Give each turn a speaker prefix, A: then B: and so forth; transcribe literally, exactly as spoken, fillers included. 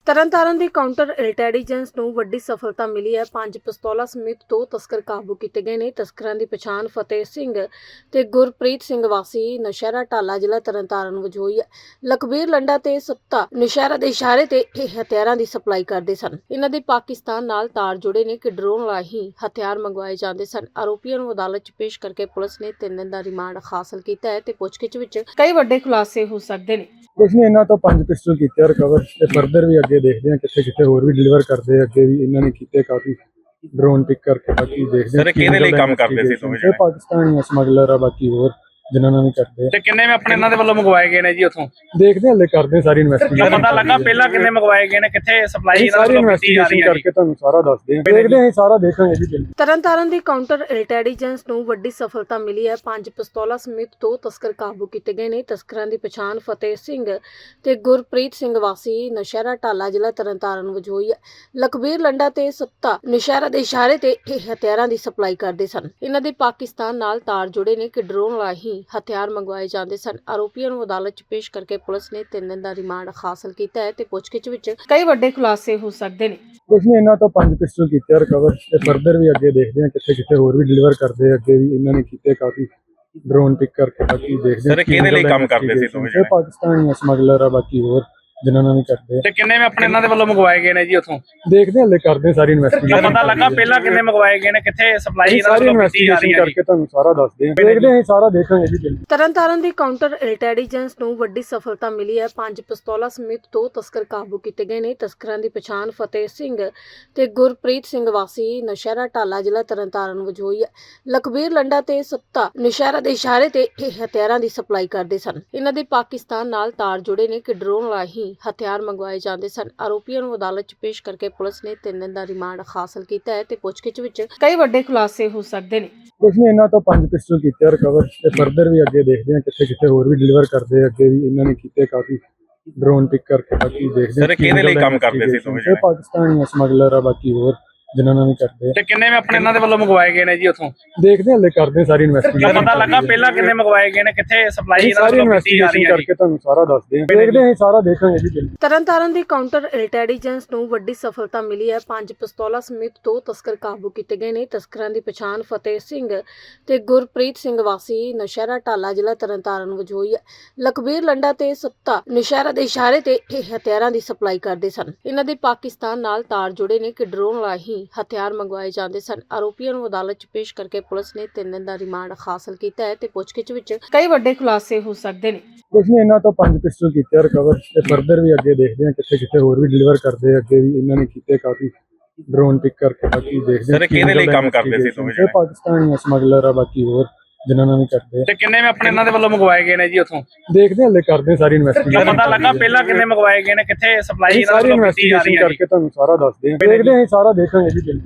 A: ਤਰਨਤਾਰਨ ਦੀ counter intelligence ਨੂੰ ਵੱਡੀ ਸਫਲਤਾ ਮਿਲੀ ਹੈ। ਪੰਜ ਪਿਸਤੌਲਾਂ ਸਮੇਤ ਦੋ ਤਸਕਰ ਕਾਬੂ ਕੀਤੇ ਗਏ ਨੇ। ਤਸਕਰਾਂ ਦੀ ਪਛਾਣ ਫਤਿਹ ਸਿੰਘ ਤੇ ਗੁਰਪ੍ਰੀਤ ਸਿੰਘ ਵਾਸੀ ਨਸ਼ਹਿਰਾ ਢਾਲਾ ਜ਼ਿਲ੍ਹਾ ਤਰਨਤਾਰਨ ਵਜੋਂ ਹੋਈ ਹੈ। ਲਖਬੀਰ ਲੰਡਾ ਤੇ ਸੱਤਾ ਨਸ਼ਹਿਰਾ ਦੇ ਇਸ਼ਾਰੇ ਤੇ ਇਹ ਹਥਿਆਰਾਂ ਦੀ ਸਪਲਾਈ ਕਰਦੇ ਸਨ। ਇਹਨਾਂ ਦੇ ਪਾਕਿਸਤਾਨ ਨਾਲ ਤਾਰ ਜੁੜੇ ਨੇ ਕਿ ਡਰੋਨ ਰਾਹੀਂ ਹਥਿਆਰ ਮੰਗਵਾਏ ਜਾਂਦੇ ਸਨ। ਆਰੋਪੀਆਂ ਨੂੰ ਅਦਾਲਤ 'ਚ ਪੇਸ਼ ਕਰਕੇ ਪੁਲਿਸ ਨੇ ਤਿੰਨ ਦਿਨ ਦਾ ਰਿਮਾਂਡ ਹਾਸਲ ਕੀਤਾ ਹੈ ਤੇ ਪੁੱਛਗਿੱਛ ਵਿੱਚ ਕਈ ਵੱਡੇ ਖੁਲਾਸੇ ਹੋ ਸਕਦੇ ਨੇ।
B: ਕੁਛ ਨਹੀਂ, ਇਹਨਾਂ ਤੋਂ ਪੰਜ ਪਿਸਟਲ ਕੀਤੇ ਰਿਕਵਰ ਤੇ ਫਰਦਰ ਵੀ ਅੱਗੇ ਦੇਖਦੇ ਹਾਂ ਕਿੱਥੇ ਕਿੱਥੇ ਹੋਰ ਵੀ ਡਿਲੀਵਰ ਕਰਦੇ ਆ। ਅੱਗੇ ਵੀ ਇਹਨਾਂ ਨੇ ਕੀਤੇ ਕਾਫੀ ਡਰੋਨ ਪਿਕ ਕਰਕੇ, ਬਾਕੀ ਦੇਖਦੇ ਹਾਂ।
C: ਸਰ ਕਿਹਦੇ ਲਈ ਕੰਮ ਕਰਦੇ ਸੀ ਦੋਵੇਂ
B: ਇਹ ਪਾਕਿਸਤਾਨੀ ਸਮਗਲਰ ਆ, ਬਾਕੀ ਹੋਰ ਜਿਨ੍ਹਾਂ ਨਾਲ ਵੀ ਕਰਦੇ ਆ।
D: ਤੇ ਕਿੰਨੇ ਵੀ ਆਪਣੇ ਇਹਨਾਂ ਦੇ ਵੱਲੋਂ ਮੰਗਵਾਏ ਗਏ ਨੇ ਜੀ ਉੱਥੋਂ?
B: ਦੇਖਦੇ ਹਾਂ, ਹਲੇ ਕਰਦੇ ਸਾਰੀ ਇਨਵੈਸਟੀਗੇਸ਼ਨ।
D: ਪਤਾ ਲੱਗਾ ਪਹਿਲਾਂ ਕਿੰਨੇ ਮੰਗਵਾਏ ਗਏ ਨੇ, ਕਿੱਥੇ ਸਪਲਾਈ ਇਹਨਾਂ
B: ਸਾਰੀ
D: ਵੱਲੋਂ ਕੀਤੀ ਜਾ ਰਹੀ
B: ਇਨਵੈਸਟੀਗੇਸ਼ਨ
D: ਹੈ?
B: ਕਰਕੇ ਤੁਹਾਨੂੰ ਸਾਰਾ ਦੱਸਦੇ ਹਾਂ। ਦੇਖਦੇ ਹਾਂ, ਸਾਰਾ ਦੇਖਾਂਗੇ ਜੀ।
A: ਤਰਨਤਾਰਨ ਦੀ ਕਾਊਂਟਰ ਇੰਟੈਲੀਜੈਂਸ ਨੂੰ ਵੱਡੀ ਸਫਲਤਾ ਮਿਲੀ ਹੈ। ਪੰਜ ਪਿਸਤੌਲਾਂ ਸਮੇਤ ਦੋ ਤਸਕਰ ਕਾਬੂ ਕੀਤੇ ਗਏ ਨੇ। ਤਸਕਰਾਂ ਦੀ ਪਛਾਣ ਫਤਿਹ ਸਿੰਘ ਤੇ ਗੁਰਪ੍ਰੀਤ ਸਿੰਘ ਵਾਸੀ ਨਸ਼ਹਿਰਾ ਢਾਲਾ ਜ਼ਿਲ੍ਹਾ ਤਰਨਤਾਰਨ ਵਜੋਂ ਹੋਈ ਹੈ। ਲਖਬੀਰ ਲੰਡਾ ਤੇ ਸੱਤਾ ਨਸ਼ਹਿਰਾ ਦੇ ਇਸ਼ਾਰੇ ਤੇ ਇਹ ਹਥਿਆਰਾਂ ਦੀ ਸਪਲਾਈ ਕਰਦੇ ਸਨ। ਇਹਨਾਂ ਦੇ ਪਾਕਿਸਤਾਨ ਨਾਲ ਤਾਰ ਜੁੜੇ ਨੇ ਕਿ ਡਰੋਨ ਰਾਹੀਂ ਹਥਿਆਰ ਮੰਗਵਾਏ ਜਾਂਦੇ ਸਨ। ਆਰੋਪੀਆਂ ਨੂੰ ਅਦਾਲਤ 'ਚ ਪੇਸ਼ ਕਰਕੇ ਪੁਲਿਸ ਨੇ ਤਿੰਨ ਦਿਨ ਦਾ ਰਿਮਾਂਡ ਹਾਸਲ ਕੀਤਾ ਹੈ ਤੇ ਪੁੱਛਗਿੱਛ ਵਿੱਚ ਕਈ ਵੱਡੇ ਖੁਲਾਸੇ ਹੋ ਸਕਦੇ ਨੇ।
B: ਕੁਛ ਨਹੀਂ, ਇਹਨਾਂ ਤੋਂ ਪੰਜ ਪਿਸਟਲ ਕੀਤੇ ਰਿਕਵਰ ਤੇ ਫਰਦਰ ਵੀ ਅੱਗੇ ਦੇਖਦੇ ਹਾਂ ਕਿੱਥੇ ਕਿੱਥੇ ਹੋਰ ਵੀ ਡਿਲੀਵਰ ਕਰਦੇ ਆ। ਅੱਗੇ ਵੀ ਇਹਨਾਂ ਨੇ ਕੀਤੇ ਕਾਫੀ ਡਰੋਨ ਪਿਕ ਕਰਕੇ, ਬਾਕੀ ਦੇਖਦੇ ਹਾਂ।
C: ਸਰ ਕਿਹਦੇ ਲਈ ਕੰਮ ਕਰਦੇ ਸੀ ਦੋਵੇਂ?
B: ਇਹ ਪਾਕਿਸਤਾਨੀ ਸਮਗਲਰ ਆ, ਬਾਕੀ ਹੋਰ ਜਿਨ੍ਹਾਂ ਨਾਲ ਵੀ ਕਰਦੇ ਆ।
D: ਤੇ ਕਿੰਨੇ ਵੀ ਆਪਣੇ ਇਹਨਾਂ ਦੇ ਵੱਲੋਂ ਮੰਗਵਾਏ ਗਏ ਨੇ ਜੀ ਉੱਥੋਂ?
B: ਦੇਖਦੇ ਹਾਂ, ਹਲੇ ਕਰਦੇ ਸਾਰੀ ਇਨਵੈਸਟੀਗੇਸ਼ਨ।
D: ਪਤਾ ਲੱਗਾ ਪਹਿਲਾਂ ਕਿੰਨੇ ਮੰਗਵਾਏ ਗਏ ਨੇ, ਕਿੱਥੇ ਸਪਲਾਈ ਇਹਨਾਂ
B: ਸਾਰੀ
D: ਵੱਲੋਂ ਕੀਤੀ ਜਾ ਰਹੀ
B: ਇਨਵੈਸਟੀਗੇਸ਼ਨ
D: ਹੈ?
B: ਕਰਕੇ ਤੁਹਾਨੂੰ ਸਾਰਾ ਦੱਸਦੇ ਹਾਂ। ਦੇਖਦੇ ਹਾਂ, ਸਾਰਾ ਦੇਖਾਂਗੇ ਜੀ।
A: ਤਰਨਤਾਰਨ ਦੀ ਕਾਊਂਟਰ ਇੰਟੈਲੀਜੈਂਸ ਨੂੰ ਵੱਡੀ ਸਫਲਤਾ ਮਿਲੀ ਹੈ। ਪੰਜ ਪਿਸਤੌਲਾਂ ਸਮੇਤ ਦੋ ਤਸਕਰ ਕਾਬੂ ਕੀਤੇ ਗਏ ਨੇ। ਤਸਕਰਾਂ ਦੀ ਪਛਾਣ ਫਤਿਹ ਸਿੰਘ ਤੇ ਗੁਰਪ੍ਰੀਤ ਸਿੰਘ ਵਾਸੀ ਨਸ਼ਹਿਰਾ ਢਾਲਾ ਜ਼ਿਲ੍ਹਾ ਤਰਨਤਾਰਨ ਵਜੋਂ ਹੋਈ ਹੈ। ਲਖਬੀਰ ਲੰਡਾ ਤੇ ਸੱਤਾ ਨਸ਼ਹਿਰਾ ਦੇ ਇਸ਼ਾਰੇ ਤੇ ਇਹ ਹਥਿਆਰਾਂ ਦੀ ਸਪਲਾਈ ਕਰਦੇ ਸਨ। ਇਹਨਾਂ ਦੇ ਪਾਕਿਸਤਾਨ ਨਾਲ ਤਾਰ ਜੁੜੇ ਨੇ ਕਿ ਡਰੋਨ ਰਾਹੀਂ ਹਥਿਆਰ ਮੰਗਵਾਏ ਜਾਂਦੇ ਸਨ। ਆਰੋਪੀਆਂ ਨੂੰ ਅਦਾਲਤ 'ਚ ਪੇਸ਼ ਕਰਕੇ ਪੁਲਿਸ ਨੇ ਤਿੰਨ ਦਿਨ ਦਾ ਰਿਮਾਂਡ ਹਾਸਲ ਕੀਤਾ ਹੈ ਤੇ ਪੁੱਛਗਿੱਛ ਵਿੱਚ ਕਈ ਵੱਡੇ ਖੁਲਾਸੇ ਹੋ ਸਕਦੇ ਨੇ।
B: ਕੁਛ ਨਹੀਂ, ਇਹਨਾਂ ਤੋਂ ਪੰਜ ਪਿਸਟਲ ਕੀਤੇ ਰਿਕਵਰ ਤੇ ਫਰਦਰ ਵੀ ਅੱਗੇ ਦੇਖਦੇ ਹਾਂ ਕਿੱਥੇ ਕਿੱਥੇ ਹੋਰ ਵੀ ਡਿਲੀਵਰ ਕਰਦੇ ਆ। ਅੱਗੇ ਵੀ ਇਹਨਾਂ ਨੇ ਕੀਤੇ ਕਾਫੀ ਡਰੋਨ ਪਿਕ ਕਰਕੇ, ਬਾਕੀ ਦੇਖਦੇ ਹਾਂ।
C: ਸਰ ਕਿਹਦੇ ਲਈ ਕੰਮ ਕਰਦੇ ਸੀ ਦੋਵੇਂ?
B: ਇਹ ਪਾਕਿਸਤਾਨੀ ਸਮਗਲਰ ਆ, ਬਾਕੀ ਹੋਰ ਜਿਨ੍ਹਾਂ ਨਾਲ ਵੀ ਕਰਦੇ ਆ।
D: ਤੇ ਕਿੰਨੇ ਵੀ ਆਪਣੇ ਇਹਨਾਂ ਦੇ ਵੱਲੋਂ ਮੰਗਵਾਏ ਗਏ ਨੇ ਜੀ ਉੱਥੋਂ?
B: ਦੇਖਦੇ ਹਾਂ, ਹਲੇ ਕਰਦੇ ਸਾਰੀ ਇਨਵੈਸਟੀਗੇਸ਼ਨ।
D: ਪਤਾ ਲੱਗਾ ਪਹਿਲਾਂ ਕਿੰਨੇ ਮੰਗਵਾਏ ਗਏ ਨੇ, ਕਿੱਥੇ ਸਪਲਾਈ ਇਹਨਾਂ
B: ਸਾਰੀ
D: ਵੱਲੋਂ ਕੀਤੀ ਜਾ ਰਹੀ
B: ਇਨਵੈਸਟੀਗੇਸ਼ਨ
D: ਹੈ?
B: ਕਰਕੇ ਤੁਹਾਨੂੰ ਸਾਰਾ ਦੱਸਦੇ ਹਾਂ। ਦੇਖਦੇ ਹਾਂ, ਸਾਰਾ ਦੇਖਾਂਗੇ ਜੀ।
A: ਤਰਨਤਾਰਨ ਦੀ ਕਾਊਂਟਰ ਇੰਟੈਲੀਜੈਂਸ ਨੂੰ ਵੱਡੀ ਸਫਲਤਾ ਮਿਲੀ ਹੈ। ਪੰਜ ਪਿਸਤੌਲਾਂ ਸਮੇਤ ਦੋ ਤਸਕਰ ਕਾਬੂ ਕੀਤੇ ਗਏ ਨੇ। ਤਸਕਰਾਂ ਦੀ ਪਛਾਣ ਫਤਿਹ ਸਿੰਘ ਤੇ ਗੁਰਪ੍ਰੀਤ ਸਿੰਘ ਵਾਸੀ ਨਸ਼ਹਿਰਾ ਢਾਲਾ ਜ਼ਿਲ੍ਹਾ ਤਰਨਤਾਰਨ ਵਜੋਂ ਹੋਈ ਹੈ। ਲਖਬੀਰ ਲੰਡਾ ਤੇ ਸੱਤਾ ਨਸ਼ਹਿਰਾ ਦੇ ਇਸ਼ਾਰੇ ਤੇ ਇਹ ਹਥਿਆਰਾਂ ਦੀ ਸਪਲਾਈ ਕਰਦੇ ਸਨ। ਇਹਨਾਂ ਦੇ ਪਾਕਿਸਤਾਨ ਨਾਲ ਤਾਰ ਜੁੜੇ ਨੇ ਕਿ ਡਰੋਨ ਰਾਹੀਂ ਹਥਿਆਰ ਮੰਗਵਾਏ ਜਾਂਦੇ ਸਨ। ਆਰੋਪੀਆਂ ਨੂੰ ਅਦਾਲਤ 'ਚ ਪੇਸ਼ ਕਰਕੇ ਪੁਲਿਸ ਨੇ ਤਿੰਨ ਦਿਨ ਦਾ ਰਿਮਾਂਡ ਹਾਸਲ ਕੀਤਾ ਹੈ ਤੇ ਪੁੱਛਗਿੱਛ ਵਿੱਚ ਕਈ ਵੱਡੇ ਖੁਲਾਸੇ ਹੋ ਸਕਦੇ ਨੇ।
B: ਕੁਛ ਨਹੀਂ, ਇਹਨਾਂ ਤੋਂ ਪੰਜ ਪਿਸਟਲ ਕੀਤੇ ਰਿਕਵਰ ਤੇ ਫਰਦਰ ਵੀ ਅੱਗੇ ਦੇਖਦੇ ਹਾਂ ਕਿੱਥੇ ਕਿੱਥੇ ਹੋਰ ਵੀ ਡਿਲੀਵਰ ਕਰਦੇ ਆ। ਅੱਗੇ ਵੀ ਇਹਨਾਂ ਨੇ ਕੀਤੇ ਕਾਫੀ ਡਰੋਨ ਪਿਕ ਕਰਕੇ, ਬਾਕੀ ਦੇਖਦੇ ਹਾਂ।
C: ਸਰ ਕਿਹਦੇ ਲਈ ਕੰਮ ਕਰਦੇ ਸੀ ਦੋਵੇਂ?
B: ਇਹ ਪਾਕਿਸਤਾਨੀ ਸਮਗਲਰ ਆ, ਬਾਕੀ ਹੋਰ ਜਿਨ੍ਹਾਂ ਨਾਲ ਵੀ ਕਰਦੇ ਆ।
D: ਤੇ ਕਿੰਨੇ ਵੀ ਆਪਣੇ ਇਹਨਾਂ ਦੇ ਵੱਲੋਂ ਮੰਗਵਾਏ ਗਏ ਨੇ ਜੀ ਉੱਥੋਂ?
B: ਦੇਖਦੇ ਹਾਂ, ਹਲੇ ਕਰਦੇ ਸਾਰੀ ਇਨਵੈਸਟੀਗੇਸ਼ਨ।
D: ਪਤਾ ਲੱਗਾ ਪਹਿਲਾਂ ਕਿੰਨੇ ਮੰਗਵਾਏ ਗਏ ਨੇ, ਕਿੱਥੇ ਸਪਲਾਈ ਇਹਨਾਂ
B: ਸਾਰੀ
D: ਵੱਲੋਂ ਕੀਤੀ ਜਾ ਰਹੀ
B: ਇਨਵੈਸਟੀਗੇਸ਼ਨ
D: ਹੈ?
B: ਕਰਕੇ ਤੁਹਾਨੂੰ ਸਾਰਾ ਦੱਸਦੇ ਹਾਂ। ਦੇਖਦੇ ਹਾਂ, ਸਾਰਾ ਦੇਖਾਂਗੇ ਜੀ।